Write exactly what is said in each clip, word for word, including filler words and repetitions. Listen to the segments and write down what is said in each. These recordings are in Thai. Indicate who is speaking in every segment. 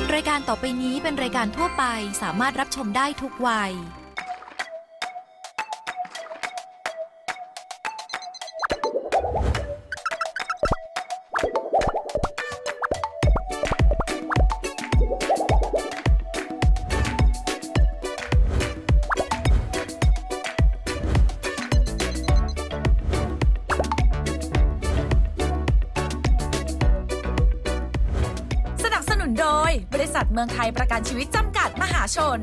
Speaker 1: รายการต่อไปนี้เป็นรายการทั่วไปสามารถรับชมได้ทุกวัยโดยบริษัทเมืองไทยประกันชีวิตจำกัดมหาชน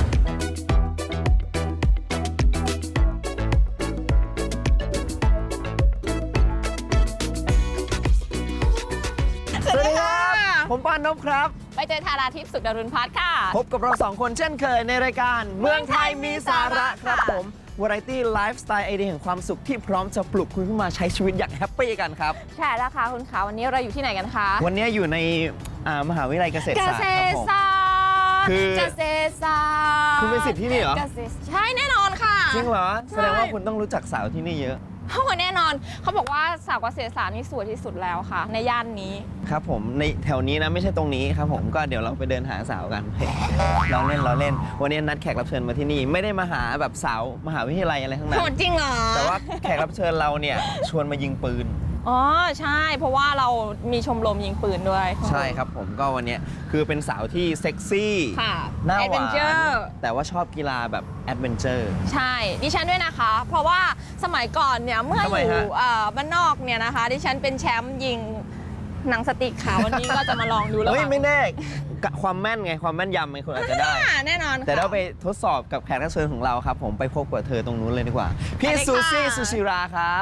Speaker 2: สวัสดีครับผมปานนพครับ
Speaker 3: ไปเจอธาราทิพย์สุขดารุณพัฒน์ค่ะ
Speaker 2: พบกับเราสองคนเช่นเคยในรายการเมืองไทยมีสาระครับผมวาไรตี้ไลฟ์สไตล์ไอเดียแห่งความสุขที่พร้อมจะปลุกคุณขึ้นมาใช้ชีวิตอย่างแฮปปี้กันครับ
Speaker 3: ใช่แล้วค่ะคุณขาวันนี้เราอยู่ที่ไหนกันคะ
Speaker 2: วันนี้อยู่ในมหาวิทยาลัยเกษตรศาสตร์ครับผม
Speaker 3: คือเกษตรศาสตร์
Speaker 2: คุณเป็นศิษย์ที่นี่เหรอ
Speaker 3: ใช่แน่นอนค่ะ
Speaker 2: จริงเหรอแสดงว่าคุณต้องรู้จักสาวที่นี่เยอะ
Speaker 3: โอ้แน่นอนเขาบอกว่าสาวเกษตรศาสตร์นี่สวยที่สุดแล้วค่ะในย่านนี้
Speaker 2: ครับผมในแถวนี้นะไม่ใช่ตรงนี้ครับผมก็เดี๋ยวเราไปเดินหาสาวกันเราเล่นเราเล่นวันนี้นัดแขกรับเชิญมาที่นี่ไม่ได้มาหาแบบสาวมหาวิทยาลัยอะไรทั้งนั้น
Speaker 3: จริงเหรอ
Speaker 2: แต่ว่าแขกรับเชิญเราเนี่ยชวนมายิงปืน
Speaker 3: อ๋อใช่เพราะว่าเรามีชมรมยิงปืนด้วย
Speaker 2: ใช่ครับผมก็วันนี้คือเป็นสาวที่เซ็กซี่น่าหวานแต่ว่าชอบกีฬาแบบแอดเวนเจอร์
Speaker 3: ใช่ดิฉันด้วยนะคะเพราะว่าสมัยก่อนเนี่ยเมื่ออยู่บ้านนอกเนี่ยนะคะดิฉันเป็นแชมป์ยิงหนังสติ๊กค่ะวันนี้ก็จะมาลองดูแล้ว
Speaker 2: เฮ้ยไม่แน่ความแม่นไงความแม่นยำไงคุณอาจจะได้
Speaker 3: แน่นอน
Speaker 2: แต่เราไปทดสอบกับแขกรับเชิญของเราครับผมไปพบกับเธอตรงนู้นเลยดีกว่าพี่ซูซี่ซูชิราครับ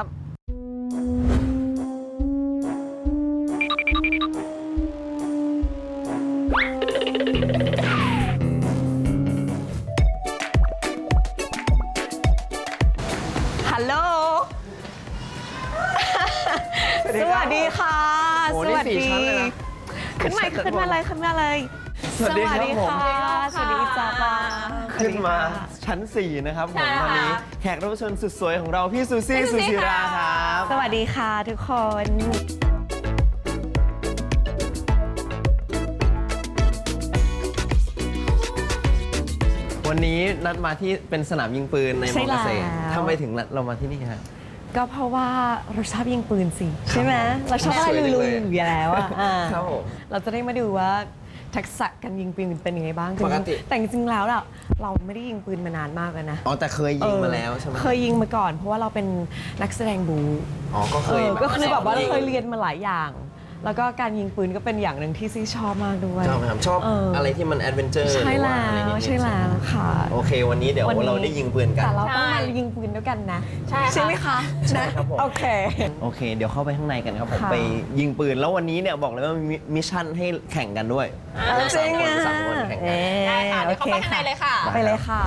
Speaker 3: ฮัลโหลสวัสดีค่ะ
Speaker 2: สวัสดี
Speaker 3: ขึ้นมาขึ้นมาเลยขึ้นมาเลย
Speaker 2: สวัสดีค่ะ
Speaker 3: สวัสดีจ้า
Speaker 2: ขึ้นมาชั้นสี่นะครับผมวันนี้แขกรับเชิญสุดสวยของเราพี่ซูซี่ซูชิราครับ
Speaker 3: สวัสดีค่ะทุกคน
Speaker 2: วันนี้นัดมาที่เป็นสนามยิงปืนในมอเกษตรทำไมถึงเรามาที่นี่ฮะ
Speaker 3: ก็เพราะว่าเราชอบยิงปืนสิใช่ไหมเราชอบอะไรลุยๆอยู่แล้วอ่ะเราจะได้มาดูว่าทักษะการยิงปืนเป็นยังไงบ้าง
Speaker 2: ปกติ
Speaker 3: แต่จริงๆแล้วเราเราไม่ได้ยิงปืนมานานมากแล้วนะ
Speaker 2: อ๋อแต่เคยยิงมาแล้วใช่ไหม
Speaker 3: เคยยิงมาก่อนเพราะว่าเราเป็นนักแสดงบู
Speaker 2: อ๋อก็เคย
Speaker 3: ก็คือแบบว่าเราเคยเรียนมาหลายอย่างแล้วก็การยิงปืนก็เป็นอย่างหนึ่งที่ซี่ชอบมากด้วย
Speaker 2: ชอบครับชอบอะไรที่มันแอดเวนเจอร์
Speaker 3: ใช่แล้วใช่แล้วค่ะ
Speaker 2: โอเควันนี้เดี๋ยวเราได้ยิงปืนกัน
Speaker 3: แต่เราต้องมายิงปืนด้วยกันนะใช่ใช่ไหมคะ
Speaker 2: ใช่ครับผม
Speaker 3: โอเค
Speaker 2: โอเคเดี๋ยวเข้าไปข้างในกันครับผมไปยิงปืนแล้ววันนี้เนี่ยบอกเลยว่ามีมิชชั่นให้แข่งกันด้วย
Speaker 3: จริงอ่ะ
Speaker 2: สามคนแข่งกัน
Speaker 3: ได้ค่ะเดี๋ยวเข้าไปข้างในเลยค่ะไปเลยค่ะ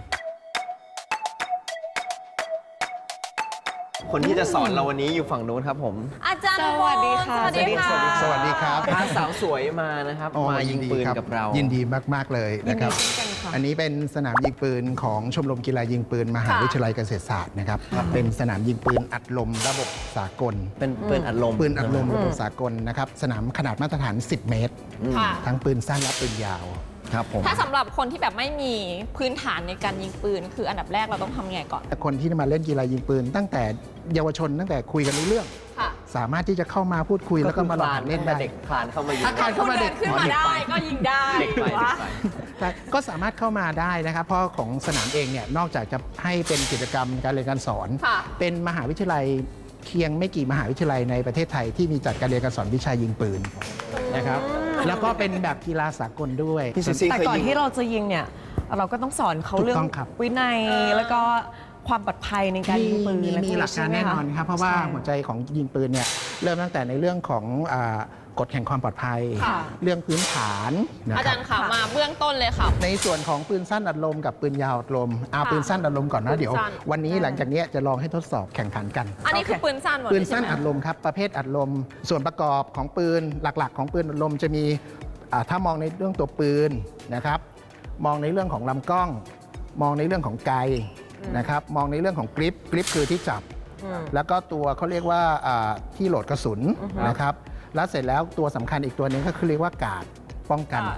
Speaker 2: คนที่จะสอนเราวันนี้อยู่ฝั่งนู้นครับผม
Speaker 3: อาจารย์สวัสดีค่ะ
Speaker 4: สวัสดีค่ะสวัสดีครับ
Speaker 2: พาสาวสวยมานะครับมายิงปืนกับเรา
Speaker 4: ยินดีมากๆเลยนะครับอันนี้เป็นสนามยิงปืนของชมรมกีฬายิงปืนมหาวิทยาลัยเกษตรศาสตร์นะครับเป็นสนามยิงปืนอัดลมระบบสากล
Speaker 2: เป็นปืนอัดลม
Speaker 4: ปืนอัดลมระบบสากลนะครับสนามขนาดมาตรฐานสิบเมตรทั้งปืนสั้นและปืนยาว
Speaker 2: ครับผม
Speaker 3: ถ้าสำหรับคนที่แบบไม่มีพื้นฐานในการยิงปืนคืออันดับแรกเราต้องทำไงก่อน
Speaker 4: คนที่มาเล่นกีฬายิงปืนตั้งแต่เยาวชนตั้งแต่คุยกันรู้เรื่องสามารถที่จะเข้ามาพูดคุยแล้วก็มาลองเล่นได้
Speaker 2: เด็กคลานเข้ามายิง
Speaker 4: ถ้าคลานเข้ามาเด็ก
Speaker 3: ขึ้นมาได้ก็ยิงได้
Speaker 2: เด็กไป
Speaker 4: ก็สามารถเข้ามาได้นะครับเพราะของสนามเองเนี่ยนอกจากจะให้เป็นกิจกรรมการเรียนการสอนเป็นมหาวิทยาลัยเพียงไม่กี่มหาวิทยาลัยในประเทศไทยที่มีจัดการเรียนการสอนวิชายิงปืนนะครับแล้วก็เป็นแบบกีฬาสากลด้วย
Speaker 3: แต่ก่อนที่เราจะยิงเนี่ยเราก็ต้องสอนเขาเรื่องวินัยแล้วก็ความปลอดภัยในการยิงปืน
Speaker 4: มีหลักการแน่นอนครับเพราะว่าหัวใจของยิงปืนเนี่ยเริ่มตั้งแต่ในเรื่องของกฎแห่งความปลอดภัยเรื่องพื้นฐาน
Speaker 3: อาจารย์ค่ะมาเบื้องต้นเลยค่ะ
Speaker 4: ในส่วนของปืนสั้นอัดลมกับปืนยาวอัดลมเอาปืนสั้นอัดลมก่อนนะเดี๋ยววันนี้หลังจากนี้จะลองให้ทดสอบแข่งขันกัน
Speaker 3: อันนี้คือปืนสั้น
Speaker 4: ปืนสั้นอัดลมครับประเภทอัดลมส่วนประกอบของปืนหลักๆของปืนอัดลมจะมีถ้ามองในเรื่องตัวปืนนะครับมองในเรื่องของลำกล้องมองในเรื่องของไกนะครับมองในเรื่องของกริปกริปคือที่จับแล้วก็ตัวเขาเรียกว่าที่โหลดกระสุนนะครับแล้วเสร็จแล้วตัวสำคัญอีกตัวนึงก็คือเรียกว่ากาดป้องกัน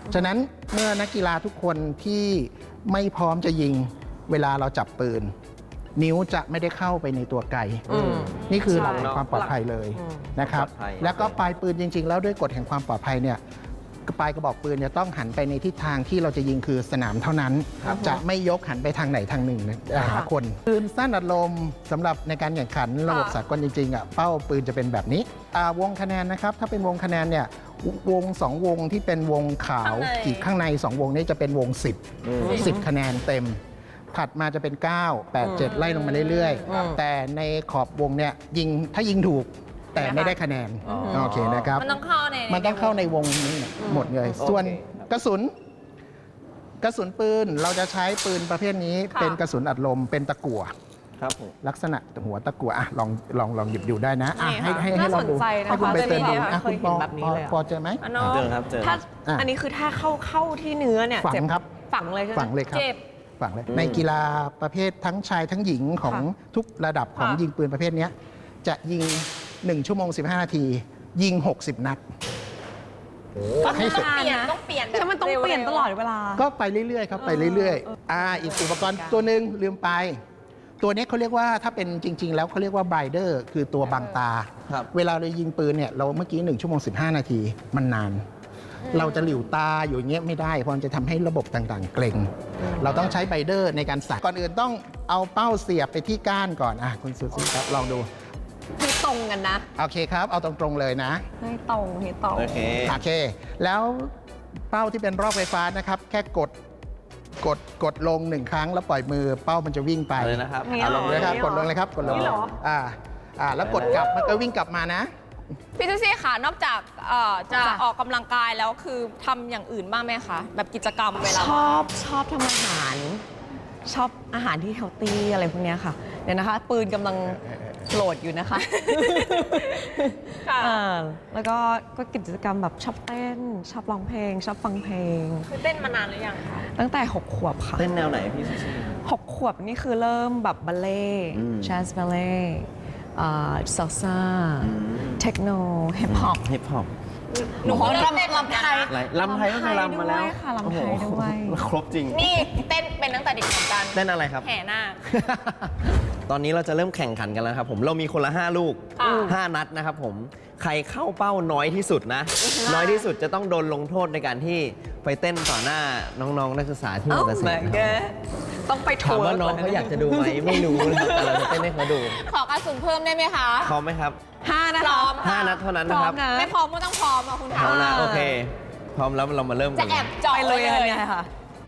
Speaker 4: ฉะนั้นเมื่อนักกีฬาทุกคนที่ไม่พร้อมจะยิงเวลาเราจับปืน นิ้วจะไม่ได้เข้าไปในตัวไก
Speaker 3: อืม
Speaker 4: นี่คือหลัก
Speaker 3: ใช่
Speaker 4: ความปลอดภัยเลย
Speaker 3: อืม
Speaker 4: นะครับ
Speaker 2: ปลอดภัย
Speaker 4: แล้วก็ปลายปืนจริง ๆ แล้วด้วยกฎแห่งความปลอดภัยเนี่ยปลายกระบอกปืนเนี่ยต้องหันไปในทิศทางที่เราจะยิงคือสนามเท่านั้น จะไม่ยกหันไปทางไหนทางหนึ่งนะหาคนปืนสั้นอัดลมสำหรับในการแข่งขันระบบสากลจริงๆอ่ะเป้าปืนจะเป็นแบบนี้อ่าวงคะแนนนะครับถ้าเป็นวงคะแนนเนี่ยวงสองวงที่เป็นวงขาวขีดข้างในสองวงนี้จะเป็นวงสิบ สิบคะแนนเต็ม ถัดมาจะเป็น เก้า แปด เจ็ด ไล่ลงมาเรื่อยๆ แต่ในขอบวงเนี่ยยิงถ้ายิงถูกแต่ไม่ได้คะแนน โอเคนะครับ
Speaker 5: มันต้องเข้าใน
Speaker 4: มันต้องเข้าในวงนี้หมดเลย ส่วนกระสุน กระสุนปืนเราจะใช้ปืนประเภทนี้เป็นกระสุนอัดลมเป็นตะกั่ว
Speaker 2: ครับผม
Speaker 4: ลักษณะหัวตะกั่วอ่ะลองลองลองหยิบดูได้นะอ่ะให้ให้ให้
Speaker 3: น่า
Speaker 4: ลองดู
Speaker 3: สนใจนะคะ
Speaker 4: ให้คุณไปเติมดู
Speaker 3: ไม่เคย
Speaker 4: อ่ะคุณปอ
Speaker 3: เห็นแบบนี้
Speaker 4: ปอ
Speaker 3: เลยอะ
Speaker 4: ปอเจอไหม
Speaker 5: อันน้อง
Speaker 2: เจอครับเจอ
Speaker 3: ถ้า
Speaker 4: อ่ะ
Speaker 3: อันนี้คือถ้าเข้าเข้าที่เนื้อเนี่ย
Speaker 4: ฝัง
Speaker 3: เจ็บ
Speaker 4: ครับ
Speaker 3: ฝังเลยใช่ไหม
Speaker 4: ฝังเลยครับ
Speaker 5: เจ็บ
Speaker 4: ฝังเลย
Speaker 2: อืม
Speaker 4: ในกีฬาประเภททั้งชายทั้งหญิงของ
Speaker 3: ค่ะ
Speaker 4: ทุกระดับของ
Speaker 5: ค่ะ
Speaker 4: ยิงปืนประเภทเนี้ยจะยิง หนึ่ง ชั่วโมง สิบห้า นาที ยิง หกสิบ นัด
Speaker 5: ก็
Speaker 4: ให้
Speaker 5: ให้
Speaker 4: เสร็จ
Speaker 5: เปลี่ยนต้องเปลี่ยนแบบ
Speaker 3: ใช่มันต้องเปลี่ยนตลอดเวลา
Speaker 4: ก็ไปเรื่อยๆครับไปเรื่อยๆอ่าอีกอุปกรณ์ตัวหนึ่งลืมไป ตัวนี้เขาเรียกว่าถ้าเป็นจริง ๆ แล้วเขาเรียกว่าไบเดอร์คือตัวบังตา
Speaker 2: ครับ
Speaker 4: เวลาเรายิงปืนเนี่ยเราเมื่อกี้ หนึ่ง ชั่วโมง สิบห้า นาทีมันนาน เราจะหลิวตาอยู่อย่างเงี้ยไม่ได้เพราะมันจะทำให้ระบบต่างๆ เกร็ง เราต้องใช้ไบเดอร์ในการใส่ก่อนอื่นต้องเอาเป้าเสียบไปที่ก้านก่อนอ่ะคุณซูซี่ครับลองดู
Speaker 3: ให้ตรงกันนะ
Speaker 4: โอเคครับ เอาตรงๆเลยนะ
Speaker 3: ให้ตรงให้ตรง
Speaker 2: โอเค
Speaker 4: โอเค แล้วเป้าที่เป็นรอบไฟฟ้านะครับ แค่กดกดกดลงหนึ่งครั้งแล้วปล่อยมือเป้ามันจะวิ่งไป
Speaker 2: เอาเลยนะครับ
Speaker 3: นี่
Speaker 2: เอา
Speaker 3: เห
Speaker 2: ล
Speaker 3: รอ
Speaker 2: ง
Speaker 4: เล
Speaker 2: เลย ย
Speaker 4: ค
Speaker 2: ค
Speaker 4: รั
Speaker 2: รั
Speaker 4: บบ กดลงเลยครับกดลง
Speaker 3: นี่เหรอ
Speaker 4: อ่าอ่าแล้วกดกลับมันก็วิ่งกลับมานะ
Speaker 5: พี่ซูซี่ค่ะ นอกจากเอ่อจะออกกำลังกายแล้วคือทำอย่างอื่นบ้างไหมคะ แบบกิจกรรมเวลา
Speaker 3: ชอบชอบทำอาหาร ชอบอาหารที่เฮลตี้อะไรพวกเนี้ยค่ะ เดี๋ยวนะคะ ปืนกำลังโหลดอยู่นะคะ
Speaker 5: ค่ะ
Speaker 3: อ่าแล้วก็ก็กิจกรรมแบบชอบเต้น ชอบร้องเพลง ชอบฟังเพลง
Speaker 5: คือเต้นมานานหรือยังคะ
Speaker 3: ตั้งแต่ 6 ขวบค่ะ
Speaker 2: เต้นแนวไหนพี่ซูซี่
Speaker 3: หกขวบนี่คือเริ่มแบบบัลเล่ต์
Speaker 2: อืม
Speaker 3: แจสบัลเล่ซัลซ่า
Speaker 2: อืม
Speaker 3: เทคโนฮิปฮอป
Speaker 2: ฮิปฮอป
Speaker 5: หนูก็เริ่มเต้นลำไทย
Speaker 2: ลำไทยก็เคยลำมาแล้ว
Speaker 3: ด้วยค่ะลำไทยด้วย
Speaker 2: โอ้โหครบจริง
Speaker 5: นี่เต้นเป็นตั้งแต่เด็กเหมือนกัน
Speaker 2: เต้นอะไรครับ
Speaker 5: แห่นาค
Speaker 2: ตอนนี้เราจะเริ่มแข่งขันกันแล้วครับผมเรามีคนละ ห้า ลูก
Speaker 5: ค่ะ
Speaker 2: ห้า นัดนะครับผมใครเข้าเป้าน้อยที่สุดนะ น้อยที่สุดจะต้องโดนลงโทษในการที่ไปเต้นต่อหน้าน้องๆนักศึกษาที่มอเตอร์ไซค์นะครับ
Speaker 3: ต้องไป
Speaker 2: ถาม
Speaker 3: ทัวร์
Speaker 2: ว่าน้องเขาอยากจะดูไหมไม่รู้นะครับแต่เราจะเต้นให้เขาดู
Speaker 5: ขอกระสุนเพิ่มได้ไหมคะ
Speaker 2: พร้อมไหมครับ
Speaker 3: ห้านะ
Speaker 5: พร้
Speaker 3: คะ
Speaker 5: อม
Speaker 2: ห้า นัดเท่านั้น
Speaker 3: พ
Speaker 2: นะ
Speaker 3: ร้อ
Speaker 2: ครั
Speaker 3: ม
Speaker 2: บ
Speaker 3: นะ
Speaker 5: ไม่พร้อมก็ต้องพร้อมอ่ะคุณคะ
Speaker 2: เอานะโอเค พร้อมแล้วเรามาเริ่มกั
Speaker 5: จะ
Speaker 2: น
Speaker 5: แอบเจาะ
Speaker 3: ไป
Speaker 5: ไว้
Speaker 3: เลย
Speaker 5: เลย
Speaker 3: เนี่ยค่ะ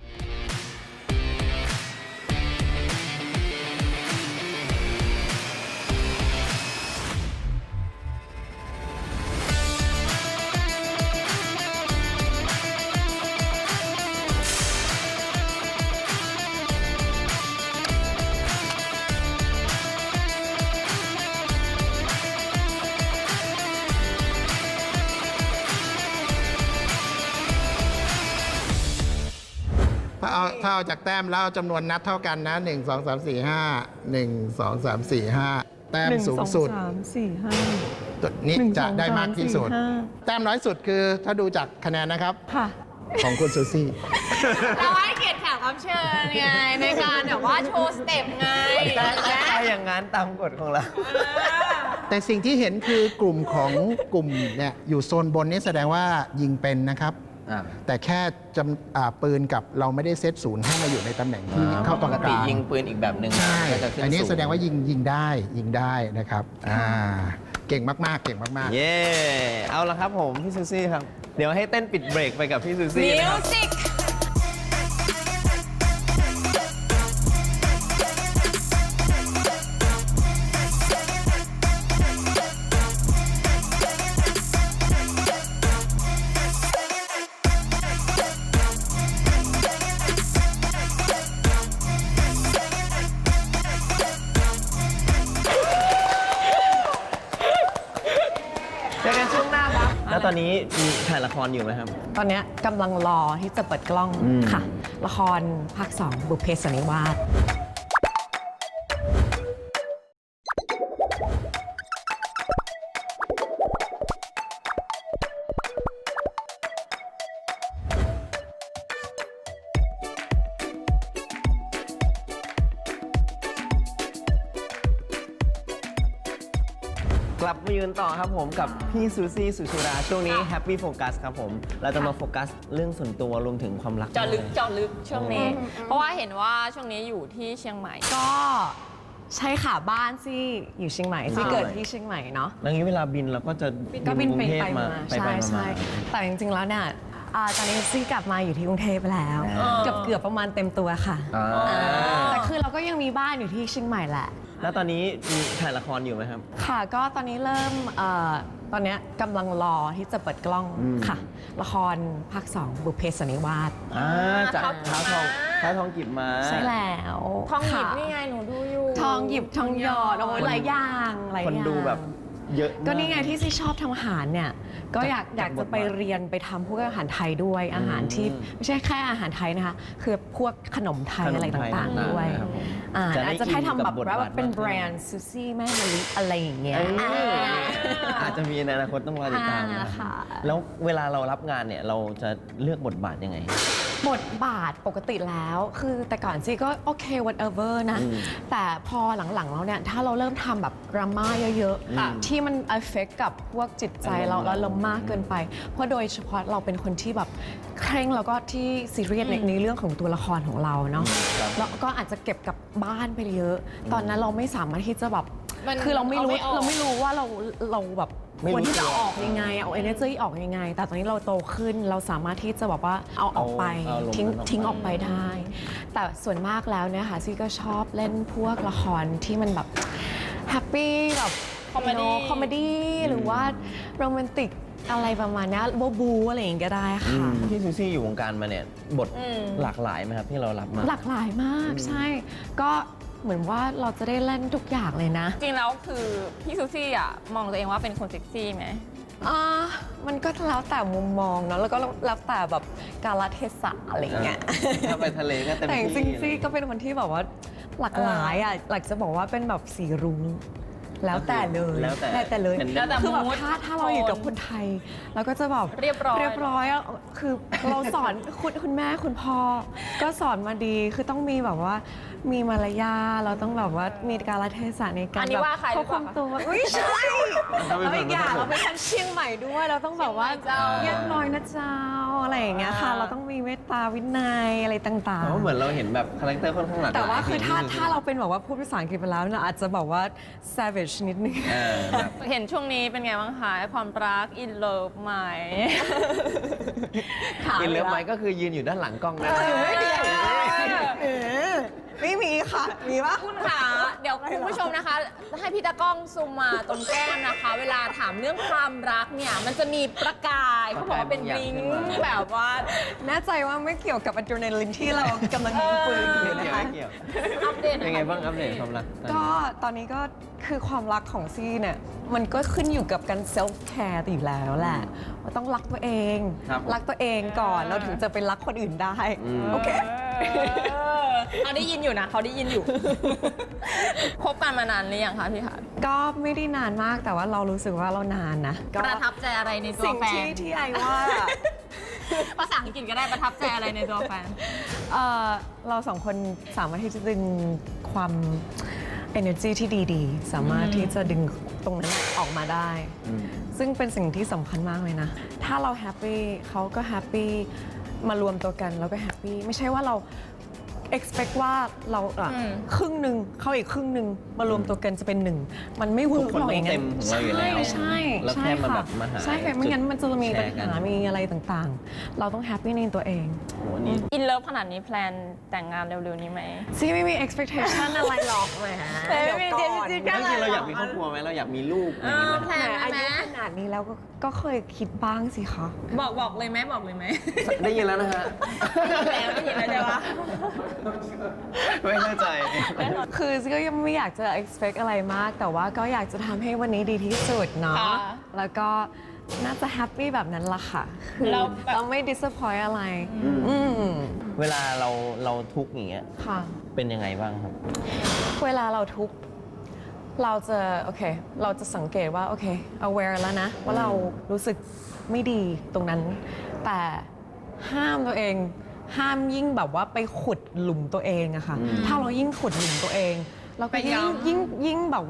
Speaker 4: ถ้าเอาถ้าเอาจากแต้มแล้วเอาจำนวนนัดเท่ากันนะ หนึ่ง สอง สาม สี่ ห้า หนึ่ง สอง สาม สี่ ห้า แต้ม
Speaker 3: หนึ่ง
Speaker 4: สูง
Speaker 3: สอง
Speaker 4: สุด
Speaker 3: สามสี่ห้า
Speaker 4: ตัวนี้
Speaker 3: หนึ่ง
Speaker 4: จะ
Speaker 3: สอง
Speaker 4: ได้มากที่สุด
Speaker 3: สามสี่ห้า
Speaker 4: แต้มน้อยสุดคือถ้าดูจากคะแนนนะครับ
Speaker 3: ค่ะ
Speaker 4: ของคุณซูซี่
Speaker 5: เราให้เกียรติแขกรับเชิญไงในการแบบว่าโชว์สเต็ปไง
Speaker 2: ถ้าอย่างนั้นตามกฎของเรา
Speaker 4: แต่สิ่งที่เห็นคือกลุ่มของกลุ่มเนี่ยอยู่โซนบนนี่แสดงว่ายิงเป็นนะครับ
Speaker 2: อ่า
Speaker 4: แต่แค่จำอ่าปืนกับเราไม่ได้เซตศูนย์ให้มาอยู่ในตำแหน่งที่เข้าตรง
Speaker 2: ป
Speaker 4: ก
Speaker 2: กติ
Speaker 4: ลาง
Speaker 2: ยิงปืนอีกแบบหนึ่ง
Speaker 4: ใช่
Speaker 2: ก็จะขึ้น
Speaker 4: อันนี้
Speaker 2: สู
Speaker 4: แสดงว่ายิงยิงได้ยิงได้นะครับอ่าเก่งมากๆ เก่งมากๆ
Speaker 2: เย่เอาละครับผมพี่ซูซี่ครับ เดี๋ยวให้เต้นปิดเบรกไปกับพี่ซูซี่
Speaker 5: มิ
Speaker 2: นะคว รับ
Speaker 5: สิก
Speaker 2: เจอกันช่วงหน้าครับ แล้วตอนนี้มีถ่ายละครอยู่ไหมครับ
Speaker 3: ตอนเนี้ยกำลังรอที่จะเปิดกล้อง
Speaker 2: อืม
Speaker 3: ค่ะ ละครภาคสองบุพเพสันนิวาส
Speaker 2: กลับมายืนต่อครับผมกับพี่ซูซี่สุชุราช่วงนี้ Happy Focus ครับผม เราจะมาโฟกัสเรื่องส่วนตัวรวมถึงความรัก
Speaker 5: เจาะลึก
Speaker 2: ด้วย
Speaker 5: เจาะลึกช่วงนี้ เพราะว่าเห็นว่าช่วงนี้อยู่ที่เชียงใหม่
Speaker 3: ก็ใช่ค่ะบ้านซี่อยู่เชียงใหม่ซี่เกิดที่เชียงใหม่เนาะ
Speaker 2: แล้วงี้เวลาบินเราก็จะ
Speaker 3: ก็บิน
Speaker 2: กรุ
Speaker 3: ไป
Speaker 2: งเทพ
Speaker 3: ไปมา
Speaker 2: ไป
Speaker 3: ใช่
Speaker 2: ไปมา
Speaker 3: ใช่แต่จริงๆแล้วเนี่ยอ่าตอนนี้ซี่กลับมาอยู่ที่กรุงเทพแล้ว
Speaker 2: อ่า
Speaker 3: เกือบเกือบประมาณเต็มตัวค่ะ
Speaker 2: อ่า
Speaker 3: แต่คือเราก็ยังมีบ้านอยู่ที่เชียงใหม่แหละ
Speaker 2: แล้วตอนนี้มีถ่ายละครอยู่ไหมครับ
Speaker 3: ค่ะก็ตอนนี้เริ่มเอ่อตอนเนี้ยกำลังรอที่จะเปิดกล้อง
Speaker 2: อืม
Speaker 3: ค่ะ ละครภาคสองบุพเพสันนิวาส
Speaker 2: อ่าจาก
Speaker 5: เท้า
Speaker 2: เท้าทอง
Speaker 5: ม้า
Speaker 2: เท้าทองกิบมา
Speaker 3: ใช่แล้ว
Speaker 5: ทองหยิบ
Speaker 3: ค่ะ
Speaker 5: นี่ไงหนูดูอยู่
Speaker 3: ทองหยิบทองหยอดโอ้ยหลายอย่างหลาย
Speaker 2: คน
Speaker 3: อย่าง
Speaker 2: ดูแบบเยอะมาก
Speaker 3: ก็นี่ไงที่ซี่ชอบทำอาหารเนี่ยก็อยากอยากจะไปเรียนไปทำพวกอาหารไทยด้วยอาหารที่ไม่ใช่แค่อาหารไทยนะคะคือพวกขนมไทย
Speaker 2: ขนมไทย
Speaker 3: อะไรต่างๆด้วย
Speaker 2: ครับผม
Speaker 3: อ่า
Speaker 2: จะได้
Speaker 3: อาจจะให้ทำแบบ
Speaker 2: อินกับบท
Speaker 3: ว่า
Speaker 2: บาท
Speaker 3: เป็น
Speaker 2: มากขึ้น
Speaker 3: แบรนด์ซูซี่แม่มะลิอะไรอย่างเงี้ย
Speaker 2: เอ้ย
Speaker 3: อ่า
Speaker 2: อาจจะมีในอนาคตต้องรอติดตามนะ
Speaker 3: อ่าค่ะ
Speaker 2: แล้วเวลาเรารับงานเนี่ยเราจะเลือกบทบาทยังไง
Speaker 3: บทบาทปกติแล้วคือแต่ก่อนซี่ก็โอเค whatever นะ
Speaker 2: อืม
Speaker 3: แต่พอหลังๆแล้วเนี่ย ถ้าเราเริ่มทำแบบดราม่าเยอะ
Speaker 2: อืม
Speaker 3: ๆ ที่มัน affect กับพวกจิตใจเรา
Speaker 2: อารมณ์
Speaker 3: แล้วเรามากเกินไป เพราะโดยเฉพาะเราเป็นคนที่แบบเคร่งแล้วก็ที่ซีเรียสในในเรื่องของตัวละครของเราเนาะ
Speaker 2: ครับ
Speaker 3: แล้วก็อาจจะเก็บกับบ้านไปเยอะ ตอนนั้นเราไม่สามารถที่จะแบบ
Speaker 5: มัน
Speaker 3: คือเราไม่รู้
Speaker 5: เอาไม่ออก
Speaker 3: เราไม่รู้ว่าเราเราแบบ
Speaker 2: ไม่รู้
Speaker 3: ควรที่จะ
Speaker 2: ตัว
Speaker 3: ออกยังไงเอา energy ออกยังไง แต่ตอนนี้เราโตขึ้นเราสามารถที่จะแบบว่าเอาออกไป
Speaker 2: เอาอารมณ์
Speaker 3: ทิ้ง
Speaker 2: นั้นออกไป
Speaker 3: ทิ้งออกไปได้ แต่ส่วนมากแล้วเนี่ยค่ะซี่ก็ชอบเล่นพวกละครที่มันแบบแฮปปี้แบบ
Speaker 5: Comedy
Speaker 3: คอมเมดี้หรือว่าโรแมนติกอะไรประมาณเนี้ยบูบูอะไรอย่างเงี้ยก็ได้ค่ะ
Speaker 2: พี่ซูซี่อยู่วงการมาเนี่ยบท
Speaker 5: อืม
Speaker 2: หลากหลายไหมครับที่เรารับมา
Speaker 3: หลากหลายมากใช่ ก็เหมือนว่าเราจะได้เล่นทุกอย่างเลยนะ
Speaker 5: จริงแล้วคือพี่ซูซี่อ่ะมองตัวเองว่าเป็นคนเซ็กซี่ไหม
Speaker 3: อ่ามันก็แล้วแต่มุมมองเนาะแล้วก็แล้วแต่แบบกาลเทศะอะไรอย่างเงี้ย
Speaker 2: ถ้าไปทะเลก็เต็ม
Speaker 3: แต่จ
Speaker 2: ที่
Speaker 3: ริงๆซี่ก็เป็นคนที่แบบว่าหลากหลายอ่ะหลักจะบอกว่าเป็นแบบสีรุ้งแล้วแต่เลย
Speaker 2: แล้วแต่
Speaker 3: แต่เลย
Speaker 2: เป็น
Speaker 5: แล้วแต่
Speaker 3: คือแบบ
Speaker 5: mood
Speaker 3: ถ้าถ้าเราอยู่กับคนไทยเราก็จะแบบ
Speaker 5: เรียบร้อย
Speaker 3: เรียบร้อยอะคือเราสอน คุณคุณแม่คุณพ่อก็สอนมาดีคือต้องมีแบบว่ามีมารยาทเราต้องแบบว่ามีกาลเทศะในการ
Speaker 5: อันนี้
Speaker 3: แบบ
Speaker 5: ว่าใครหรือ
Speaker 3: ควบ
Speaker 5: เป
Speaker 3: คุ
Speaker 5: ล่าม คะ
Speaker 3: ตัวไม่ใช่แล้วอีกอย่างเราเป็นคนเชียงใหม่ด้วยเราต้องแบบว่า
Speaker 5: เชียงใหม่เจ้า
Speaker 3: เรียบร้อยนะเจ้าอะไรอย่างเงี้ยค่ะ
Speaker 5: อ่า
Speaker 3: เราต้องมีเมตตาวินัยอะไรต่าง
Speaker 2: เพราะเหมือนเราเห็นแบบคาแรคเตอร์ค่อนข้างหลากหลาย
Speaker 3: แต่ว่าคือถ้า
Speaker 2: พี่ซูซี่
Speaker 3: ถ้าเราเป็นแบบว่าพูดภาษาอังกฤษไปแล้วเนี่ยอาจจะแบบว่า savage นิดนึง
Speaker 2: เออแบบ
Speaker 5: เห็นช่วงนี้เป็นไงบ้างคะความรักอินเลิฟไหม
Speaker 2: อินเลิฟไหมก็คือยืนอยู่ด้านหลังกล้องนะ
Speaker 3: เออไม่มีค่ะ มีปะ
Speaker 5: คุณค่ะเดี๋ยวคุณผู้ชมนะคะ ให้พี่ตากล้องซูมมาตรงแก้มนะคะ เวลาถามเรื่องความรักเนี่ยมันจะมีประกายเขาบอกว่าเป็นริ้งแบบว่า
Speaker 3: แน่ใจว่าไม่เกี่ยวกับอะดรีนาลินที่เรากำลังยิงปืนอยู่
Speaker 2: ไม่
Speaker 3: นะ
Speaker 2: เกี่ยว
Speaker 3: คะ
Speaker 2: ไม่เกี่ยว
Speaker 5: อัปเดตหน่
Speaker 2: เป็
Speaker 5: อย
Speaker 2: นไงบ้างอัปเดตความรักตอนนี้
Speaker 3: ก็ตอนนี้ก็คือความรักของซี่เนี่ย มันก็ขึ้นอยู่กับการ self care อยู่แล้วแหละ ว่าต้องรักตัวเอง
Speaker 2: ครับ
Speaker 3: รักตัวเองก่อนเราถึงจะไปรักคนอื่นได้
Speaker 2: อืม
Speaker 3: โอเค
Speaker 5: เขาได้ยินอยู่นะเขาได้ยินอยู่ คบกันมานานหรือยังคะพี่คะ
Speaker 3: ก็ไม่ได้นานมากแต่ว่าเรารู้สึกว่าเรานานนะก็
Speaker 5: ประทับใจอะไรในตัว
Speaker 3: สิ่ง
Speaker 5: แฟ
Speaker 3: ที่
Speaker 5: น
Speaker 3: ที่ไอว่า
Speaker 5: ภาษาอังกฤษก็ได้ประทับใจอะไรในตัวแฟน
Speaker 3: เอ่อเราสองคนสามารถที่จะดึงความ energy ที่ดีๆ สามารถที่จะดึงตรงนั้นออกมาได้
Speaker 2: อืม
Speaker 3: ซึ่งเป็นสิ่งที่สำคัญมากเลยนะ ถ้าเราแฮปปี้เขาก็แฮปปี้มารวมตัวกันแล้วก็แฮปปี้ไม่ใช่ว่าเรา expect ว่าเราอ่ะ
Speaker 5: อืม
Speaker 3: ครึ่งหนึ่งเขาอีกครึ่งหนึ่งมารวมตัวกันจะเป็นหนึ่งมันไม่เวิร์ก
Speaker 2: ทุกคน
Speaker 3: หรอกอย่าง
Speaker 2: ต้องเต็
Speaker 3: นั้น
Speaker 2: มของเราอยู่แล้ว
Speaker 3: ใช่
Speaker 2: แล้ว
Speaker 3: ใช่
Speaker 2: แค่มา
Speaker 3: ค่ะ
Speaker 2: แบบมาหา
Speaker 3: ใช่ค่ะไม่งั้นมันจะมีปัญ
Speaker 2: แชร์กัน
Speaker 3: หามีอะไรต่างๆ เราต้องแฮปปี้ในตัวเอง
Speaker 2: โหนี่
Speaker 5: อินเลิฟขนาดนี้แพลนแต่งงานเร็วๆนี้ไหม
Speaker 3: ซี่ไม่มี expectation อะไรหรอกแหม
Speaker 5: เออ
Speaker 3: เดี๋ยวก่อน
Speaker 5: จริงๆ
Speaker 2: จริงๆเราอยากมีครอบครัวไหมเราอยากมีลูกอะไรอย่างเงี้ย
Speaker 5: แพล
Speaker 3: แหม
Speaker 5: น
Speaker 3: อา
Speaker 5: ไหม
Speaker 3: ยุขนาดนี้แล้วก็ก็เคยคิดบ้างสิคะ
Speaker 5: บอกบอกเลยไหมบอกเลยไหม
Speaker 2: ได้ยินแล้วนะฮะ
Speaker 5: ได้ยินแล้วได้ยินแล้วใช่ปะ
Speaker 2: ไม่เข้าใจ
Speaker 3: คือซี่ก็ยังไม่อยากจะ expect อะไรมาก แต่ว่าก็อยากจะทำให้วันนี้ดีที่สุดเนาะ
Speaker 5: ค่ะ
Speaker 3: แล้วก็น่าจะแฮปปี้แบบนั้นละค่ะคือ
Speaker 5: เราแบบ
Speaker 3: เราไม่ disappoint อะไร อืม
Speaker 2: เวลาเราเราทุกข์อย่างเงี้ย
Speaker 3: ค่ะ
Speaker 2: เป็นยังไงบ้างครับ
Speaker 3: เวลาเราทุกข์เราจะโอเค เราจะสังเกตว่าโอเค aware แล้วนะ ว่าเรารู้สึกไม่ดีตรงนั้น แต่ห้ามตัวเอง ห้ามยิ่งแบบว่าไปขุดหลุมตัวเองอะค่ะ
Speaker 2: อืม
Speaker 3: ถ้าเรายิ่งขุดหลุมตัวเอง เราก็
Speaker 5: ไป
Speaker 3: ยิ่ง
Speaker 5: ย้ำ
Speaker 3: ยิ่งยิ่งแบบว่า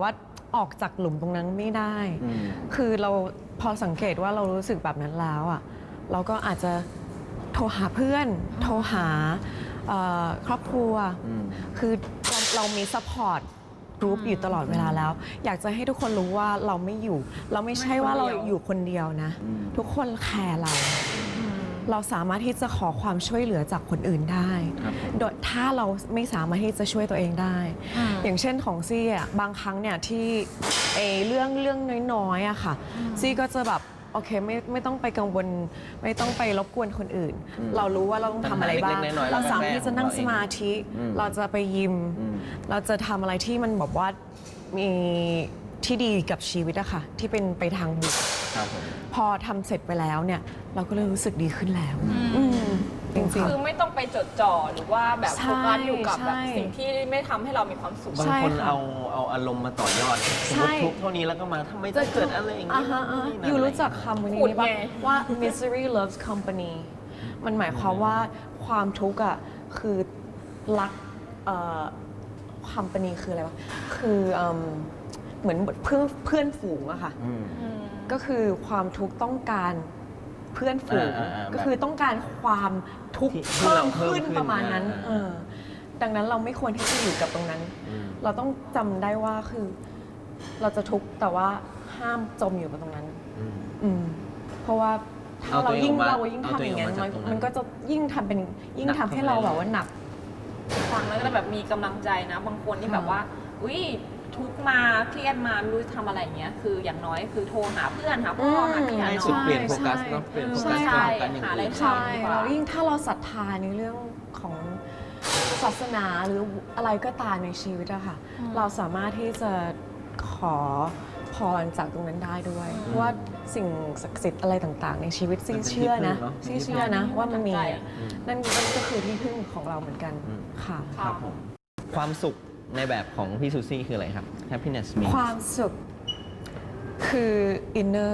Speaker 3: ออกจากหลุมตรงนั้นไม่ได้
Speaker 2: อืม
Speaker 3: คือเราพอสังเกตว่าเรารู้สึกแบบนั้นแล้วอ่ะเราก็อาจจะโทรหาเพื่อน โทรหาเอ่อครอบครัว
Speaker 2: อืม
Speaker 3: คือเราเรามีซัพพอร์ตกรุ๊ปอยู่ตลอดเวลาแล้ว อยากจะให้ทุกคนรู้ว่าเราไม่อยู่ เราไม่ใช่ว่าเราอยู่คนเดียวนะ
Speaker 2: อืม
Speaker 3: ทุกคนแคร์เรา เราสามารถที่จะขอความช่วยเหลือจากคนอื่นได้
Speaker 2: ครับผม
Speaker 3: โดยถ้าเราไม่สามารถที่จะช่วยตัวเองได้
Speaker 5: อืม
Speaker 3: อย่างเช่นของซี่อ่ะบางครั้งเนี่ยที่เอเรื่องเรื่องน้อยๆอะค่ะซี่ก็จะแบบโอเคไม่ไม่ต้องไปกังวล ไม่ต้องไปรบกวนคนอื่น
Speaker 2: อืม
Speaker 3: เรารู้ว่าเราต้องทำอะไรบ้าง
Speaker 2: ปัญหาเล็กๆน้อยๆ
Speaker 3: เราสามารถ
Speaker 2: เราก็แก้
Speaker 3: ที่จะนั่ง
Speaker 2: ของเราเอง
Speaker 3: สมาธิ
Speaker 2: อืม
Speaker 3: เราจะไปยิม
Speaker 2: อืม
Speaker 3: เราจะทำอะไรที่มันแบบว่ามีที่ดีกับชีวิตอะค่ะที่เป็นไปทางบวก
Speaker 2: ครับผม
Speaker 3: พอทำเสร็จไปแล้วเนี่ยเราก็เลยรู้สึกดีขึ้นแล้วอืมจริง
Speaker 5: คือไม่ต้องไปจดจ่อหรือว่าแบบ
Speaker 3: ใช่
Speaker 5: โฟกัสอยู่กับแบบ
Speaker 3: ใช่
Speaker 5: สิ่งที่ไม่ทำให้เรามีความสุข
Speaker 2: บาง
Speaker 3: ใช่
Speaker 2: คน
Speaker 3: ค่ะ
Speaker 2: เอาเอาอารมณ์มาต่อยอดสมมติทุกข์เท่านี้แล้วก็มาทำไมจะเกิดอะไรอย่าง
Speaker 3: อ่า
Speaker 2: นี้
Speaker 3: ฮะอ่า
Speaker 2: นี่นั่น
Speaker 3: อยู่รู้จัก
Speaker 2: อะไร
Speaker 3: คำวันนี้
Speaker 5: ขุด
Speaker 3: ปะ
Speaker 5: ไง
Speaker 3: ว่า misery loves company มันหมายความว่าความทุกข์อ่ะคือรักเอ่อ company คืออะไรวะคือเอิ่มเหมือนเพื่อนเพื่อนฝูงอะค่ะ
Speaker 2: อืม
Speaker 3: ก็คือความทุกข์ต้องการเพื่อนฝูง
Speaker 2: อ่าอ่าอ่า
Speaker 3: ก็คือต้องการความทุกข์
Speaker 2: ที่
Speaker 3: เพิ่
Speaker 2: เรา
Speaker 3: ม
Speaker 2: เพิ่ม
Speaker 3: ขึ้น
Speaker 2: ขึ้น
Speaker 3: ประมาณนั้น
Speaker 2: อ่า
Speaker 3: เออดังนั้นเราไม่ควรที่จะอยู่กับตรงนั้น
Speaker 2: อืม
Speaker 3: เราต้องจำได้ว่าคือเราจะทุกข์แต่ว่าห้ามจมอยู่กับตรงนั้น
Speaker 2: อืม
Speaker 3: อืมเพราะว่าถ้า
Speaker 2: เอาตั
Speaker 3: เรา
Speaker 2: วเอง
Speaker 3: ยิ่ง
Speaker 2: ออกมา
Speaker 3: เรายิ่ง
Speaker 2: เอา
Speaker 3: ทำ
Speaker 2: ตัว
Speaker 3: อ
Speaker 2: เอง
Speaker 3: ย่างนั้น
Speaker 2: ออกมา
Speaker 3: มัน
Speaker 2: จากตรงนั้น
Speaker 3: มันก็จะยิ่งทำเป็นยิ่ง
Speaker 2: หนัก
Speaker 3: ทำให้
Speaker 2: เข้าไป
Speaker 3: เรา
Speaker 2: เรื่อยๆ
Speaker 3: แบบว่าหนัก
Speaker 5: ฟังแล้วก็แบบมีกำลังใจนะ บางคนที่แบบว่า อุ้ยทุกข์มาเครียดมาไม่รู้จะทำอะไรอย่างเงี้ยคืออย่างน้อยคือโทรหาเพื่อนหาพ่อหาพี่หา
Speaker 2: ให้
Speaker 5: น้
Speaker 2: สุด
Speaker 5: อง
Speaker 2: เปลี่ยนโฟกัส
Speaker 3: ใช่
Speaker 2: เนาะเปลี่ยนโฟ
Speaker 3: ใช่
Speaker 2: กัส
Speaker 5: ใช่
Speaker 2: ไปโฟกัสอย่าง
Speaker 5: หาอะไร
Speaker 2: อื่น
Speaker 5: ทำ
Speaker 3: ใช่
Speaker 5: ดีกว่า
Speaker 3: แล้วยิ่งถ้าเราศรัทธาในเรื่องของศาสนาหรืออะไรก็ตามในชีวิตอะค่ะ เราสามารถที่จะขอพรจากตรงนั้นได้ด้วย เพราะว่าสิ่งศักดิ์สิทธิ์อะไรต่างๆ ในชีวิตซี่
Speaker 2: มันเป็น
Speaker 3: เชื่อนะ
Speaker 2: ที่พึ่งเนอะ
Speaker 3: ซี่เชื่อนะว่ามันมี
Speaker 5: ใจ
Speaker 3: นั่นนั่นก็คือที่พึ่งของเราเหมือนกัน
Speaker 2: อืม
Speaker 3: ค่ะ
Speaker 2: ครับผมความสุขในแบบของพี่ซูซี่คืออะไรครับ happiness means
Speaker 3: ความสุขคือ inner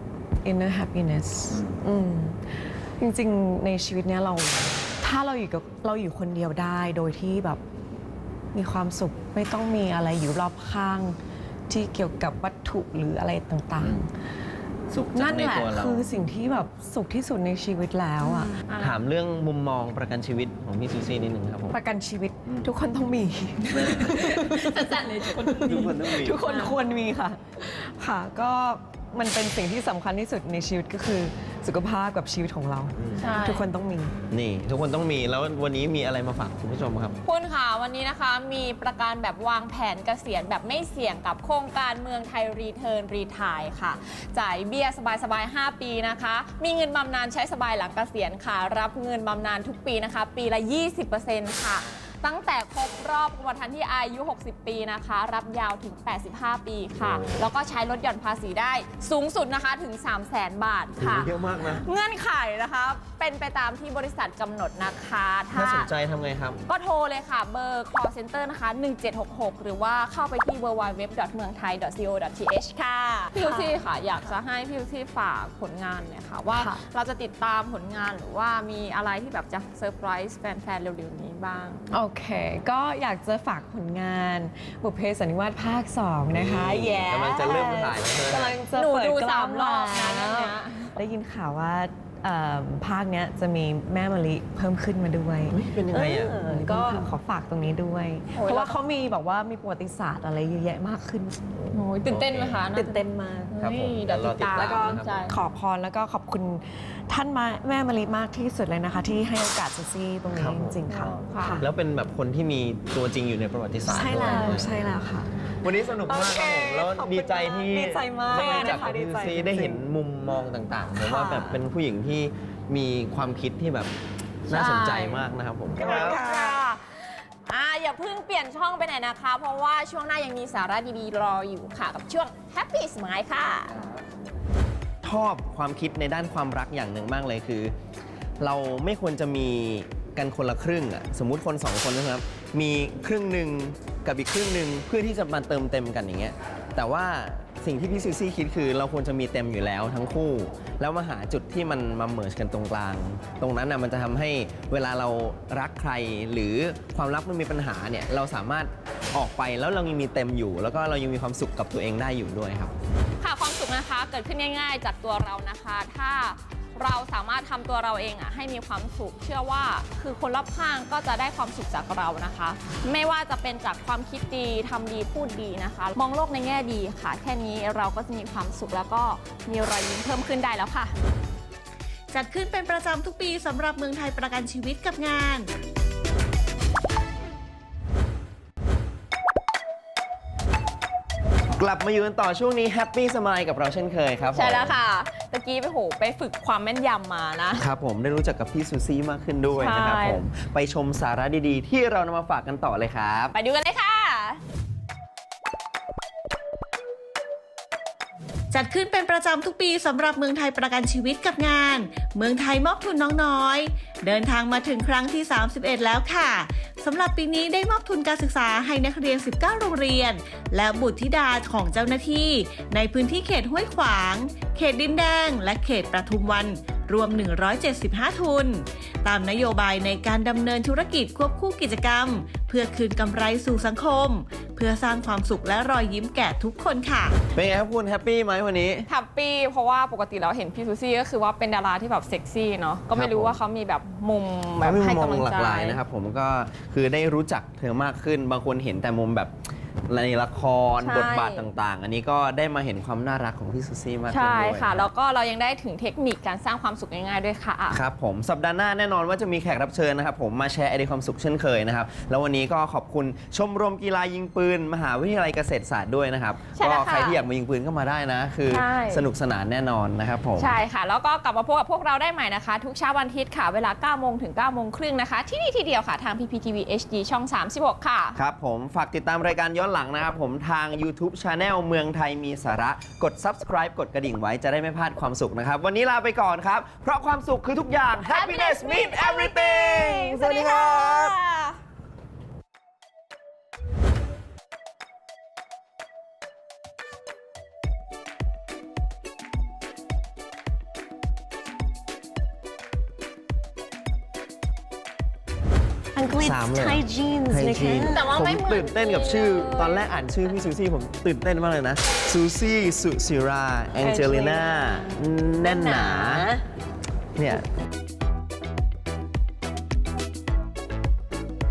Speaker 3: inner happiness อืมจริงๆ ในชีวิตเนี้ยเราถ้าเราอยู่กับเราอยู่คนเดียวได้โดยที่แบบมีความสุขไม่ต้องมีอะไรอยู่รอบข้างที่เกี่ยวกับวัตถุหรืออะไรต่าง
Speaker 2: สุข
Speaker 3: ๆ
Speaker 2: จา
Speaker 3: นั่
Speaker 2: ก
Speaker 3: น
Speaker 2: ใน
Speaker 3: แหละ
Speaker 2: ตัวเรา
Speaker 3: คือสิ่งที่แบบสุขที่สุดในชีวิตแล้วอ่ะ
Speaker 2: ถามเรื่องมุมมองประกันชีวิตของพี่ซูซี่นิดนึงครับผม
Speaker 3: ประกันชีวิตทุกคนต้องมี
Speaker 5: จัดเลยทุกคน
Speaker 2: ทุกคนต้องมี
Speaker 3: ทุกคนควรมีค่ะ ค่ะ ก็มันเป็นสิ่งที่สำคัญที่สุดในชีวิตก็คือสุขภาพกับชีวิตของเรา
Speaker 5: ใช่
Speaker 3: ทุกคนต้องมี
Speaker 2: นี่ ทุกคนต้องมีแล้ววันนี้มีอะไรมาฝากคุณผู้ชมครับ
Speaker 5: คุณค่ะวันนี้นะคะมีประกันแบบวางแผนเกษียณแบบไม่เสี่ยงกับโครงการเมืองไทยรีเทิร์นรีทายค่ะ จ่ายเบี้ยสบายๆ ห้า ปีนะคะ มีเงินบำนาญใช้สบายหลังเกษียณค่ะ รับเงินบำนาญทุกปีนะคะ ปีละ ยี่สิบเปอร์เซ็นต์ ค่ะ ตั้งแต่ครบรอบกรมธรรม์ที่อายุ หกสิบ ปีนะคะ รับยาวถึง แปดสิบห้า ปีค่ะ แล้วก็ใช้ลดหย่อนภาษีได้สูงสุดนะคะถึง สามแสน บาทค่ะ
Speaker 2: เยอะมากนะ
Speaker 5: เงื่อนไขนะคะ เป็นไปตามที่บริษัทกำหนดนะคะ
Speaker 2: ถ้าสนใจทำไงครับ
Speaker 5: ก็โทรเลยค่ะ เบอร์ call center นะคะ หนึ่งเจ็ดหกหก หรือว่าเข้าไปที่ ดับเบิลยู ดับเบิลยู ดับเบิลยู ดอท เมืองไทย ดอท ซี โอ ดอท ที เอช ค่ะ พี่ลูซี่ค่ะ อยากจะให้พี่ลูซี่ฝากผลงานเนี่ยค่ะ ว่า
Speaker 3: ค่ะ
Speaker 5: เราจะติดตามผลงานหรือว่ามีอะไรที่แบบจะเซอร์ไพรส์แฟนๆ เร็วๆ นี้บ้าง
Speaker 3: โอเค ก็อยากจะฝากผลงานบุพเพสันนิวาสภาค สอง นะคะ
Speaker 2: นี่
Speaker 3: แย่
Speaker 2: กำลังจะเริ่มถ่ายแล้วใช่ไหม
Speaker 3: กำลังจะ
Speaker 5: หนู
Speaker 3: เปิด
Speaker 5: ดู
Speaker 3: กล้
Speaker 5: สา
Speaker 3: อง
Speaker 5: มรอบนะ
Speaker 3: แล้ว
Speaker 5: เรื่องเนี้ย
Speaker 3: ได้ยินข่าวว่าเอิ่มภาคเนี้ยจะมีแม่มะลิเพิ่มขึ้นมาด้วย
Speaker 2: เฮ้ยเป็นยังไงอ่ะ
Speaker 3: เออก็ขอฝากตรงนี้ด้วย
Speaker 5: โอ้ย
Speaker 3: เพราะว่าเขามีแบบว่ามีประวัติศาสตร์อะไรเยอะแยะมากขึ้น
Speaker 5: โอ้ยตื่นเต้นไหมคะ
Speaker 3: ตื่นเต้นมาก
Speaker 2: ครับผม
Speaker 5: เดี๋ยวติดตาม
Speaker 2: เดี๋
Speaker 3: แล้วก็
Speaker 2: ยวรอติดตาม
Speaker 5: ใช่
Speaker 3: ขอพรแล้วก็ขอบคุณท่านมาแม่มะลิมากที่สุดเลยนะคะ ที่ให้โอกาสซูซี่ตรงนี้
Speaker 2: ครับ
Speaker 3: จริงๆค่ะ
Speaker 5: ค่ะ
Speaker 3: ค่ะ
Speaker 2: แล้วเป็นแบบคนที่มีตัวจริงอยู่ในประวัติศาสตร์
Speaker 3: ใช่แล้ว
Speaker 2: ด้วย
Speaker 3: ใช่แล้วค่ะ
Speaker 2: วันนี้สนุกมากครับผมแล้ว
Speaker 3: โอเค
Speaker 2: ดีใจที่
Speaker 3: ดีใจมาก
Speaker 2: ได้รู้จัก
Speaker 3: นะคะ
Speaker 2: กับ
Speaker 3: ดี
Speaker 2: พี่
Speaker 3: ใจ
Speaker 2: ซี
Speaker 3: จริงๆ
Speaker 2: ได้เห็นมุมมองต่างๆแล้วว่า
Speaker 3: ค่ะ
Speaker 2: แบบเป็นผู้หญิงที่มีความคิดที่แบบน่าสนใจมากนะครับผม
Speaker 5: ค่ะอ่าอย่าเพิ่งเปลี่ยนช่องไปไหนนะคะ เพราะว่าช่วงหน้ายังมีสาระดีๆ รออยู่ค่ะ กับช่วง Happy Smile ค่ะ
Speaker 2: ชอบความคิดในด้านความรักอย่างหนึ่งมากเลยคือ เราไม่ควรจะมีกันคนละครึ่งอ่ะสมมุติคนสองคนนะครับ มีครึ่งหนึ่งกับอีกครึ่งหนึ่งเพื่อที่จะมาเติมเต็มกันอย่างเงี้ยแต่ว่าสิ่งสิ่งที่พี่ซูซี่คิดคือเราควรจะมีเต็มอยู่แล้วทั้งคู่ แล้วมาหาจุดที่มันมาเมิร์จกันตรงกลาง ตรงนั้นนะมันจะทำให้เวลาเรารักใครหรือความรักมันมีปัญหาเนี่ยเราสามารถออกไปแล้วเรายังมีเต็มอยู่ แล้วก็เรายังมีความสุขกับตัวเองได้อยู่ด้วยครับ
Speaker 5: ค่ะความสุขนะคะเกิดขึ้นง่ายๆ จากตัวเรานะคะ ถ้าเราสามารถทำตัวเราเองอ่ะให้มีความสุขเชื่อว่าคือคนรอบข้างก็จะได้ความสุขจากเรานะคะ ไม่ว่าจะเป็นจากความคิดดีทำดีพูดดีนะคะ มองโลกในแง่ดีค่ะ แค่นี้เราก็จะมีความสุขแล้วก็มีรอยยิ้มเพิ่มขึ้นได้แล้วค่ะ
Speaker 1: จัดขึ้นเป็นประจำทุกปีสำหรับเมืองไทยประกันชีวิตกับงาน
Speaker 2: กลับมาอยู่กันต่อช่วงนี้แฮปปี้สมายกับเราเช่นเคยครับผม
Speaker 5: ใช่แล้วค่ะตะกี้ไปโหไปฝึกความแม่นยำมานะ
Speaker 2: ครับผมได้รู้จักกับพี่ซูซี่มากขึ้นด้วยนะครับ
Speaker 5: ใช่
Speaker 2: ผมไปชมสาระดีๆ ที่เรานำมาฝากกันต่อเลยครับ
Speaker 5: ไปดูกันเลยค่ะ
Speaker 1: จัดขึ้นเป็นประจำทุกปีสำหรับเมืองไทยประกันชีวิตกับงาน เมืองไทยมอบทุนน้องน้อย เดินทางมาถึงครั้งที่ สามสิบเอ็ด แล้วค่ะสำหรับปีนี้ได้มอบทุนการศึกษาให้นักเรียน สิบเก้า โรงเรียน และบุตรธิดาของเจ้าหน้าที่ ในพื้นที่เขตห้วยขวาง เขตดินแดง และเขตปทุมวัน รวม หนึ่งร้อยเจ็ดสิบห้า ทุน ตามนโยบายในการดำเนินธุรกิจควบคู่กิจกรรม เพื่อคืนกำไรสู่สังคม เพื่อสร้างความสุขและรอยยิ้มแก่ทุกคนค่ะ
Speaker 2: เป็นไงครับคุณแฮปปี้ไหมวันนี้
Speaker 5: แฮปปี้เพราะว่าปกติเราเห็นพี่ซูซี่ก็คือว่าเป็นดาราที่แบบเซ็กซี่เนาะก็ไม่รู้ว่าเขามีแบบมุมแบ
Speaker 2: ไม่
Speaker 5: บ
Speaker 2: มี
Speaker 5: ให้
Speaker 2: มุมม
Speaker 5: กำลั
Speaker 2: อง
Speaker 5: ง
Speaker 2: หลา
Speaker 5: ใจ
Speaker 2: กหลายนะครับผมก็คือได้รู้จักเธอมากขึ้น บางคนเห็นแต่มุมแบบในละคร
Speaker 5: ใช่
Speaker 2: บทบาทต่างๆ อันนี้ก็ได้มาเห็นความน่ารักของพี่ซูซี่มากขึ้น
Speaker 5: ใช่
Speaker 2: ด้วย
Speaker 5: ค่ะ แล้วก็เรายังได้ถึงเทคนิคการสร้างความสุขง่ายๆด้วยค่ะ
Speaker 2: ครับผมสัปดาห์หน้าแน่นอนว่าจะมีแขกรับเชิญนะครับผมมาแชร์ไอเดียความสุขเช่นเคยนะครับแล้ววันนี้ก็ขอบคุณชมรมกีฬายิงปืน มหาวิทยาลัยเกษตรศาสตร์ด้วยนะครับ
Speaker 5: ใช่
Speaker 2: ก็
Speaker 5: แล้วค่ะ
Speaker 2: ใครที่อยากมายิงปืนก็มาได้นะ คือ
Speaker 5: ใช่
Speaker 2: สนุกสนานแน่นอนนะครับผม
Speaker 5: ใช่ค่ะ แล้วก็กลับมาพบกับพวกเราได้ใหม่นะคะ ทุกเช้าวันอาทิตย์ค่ะ เวลา เก้าโมงถึง เก้าโมงครึ่งนะคะ ที่นี่ทีเดียวค่ะ ทาง พี พี ที วี เอช ดี ช่อง สามสิบหก ค่ะ
Speaker 2: ครับผมฝากติดตามรายการย้อนหลังนะครับผมทาง YouTube Channel เมืองไทยมีสาระกด Subscribe กดกระดิ่งไว้จะได้ไม่พลาดความสุขนะครับ วันนี้ลาไปก่อนครับ เพราะความสุขคือทุกอย่าง Happiness means everything สวัสดีครับ
Speaker 6: อังกฤษ
Speaker 2: สามเลย
Speaker 6: ไทยจีนส์
Speaker 2: ไทย
Speaker 6: นะ
Speaker 2: จี
Speaker 6: คะ
Speaker 2: น
Speaker 5: แต่ว่า
Speaker 2: ผม
Speaker 5: ไม่เหมือน
Speaker 2: ตื่นเต้นกับชื่อ ตอนแรกอ่านชื่อพี่ซูซี่ผมตื่นเต้นมากเลยนะซูซี่สุซิราแองเจลิน่าแน่นหนาเนี่ย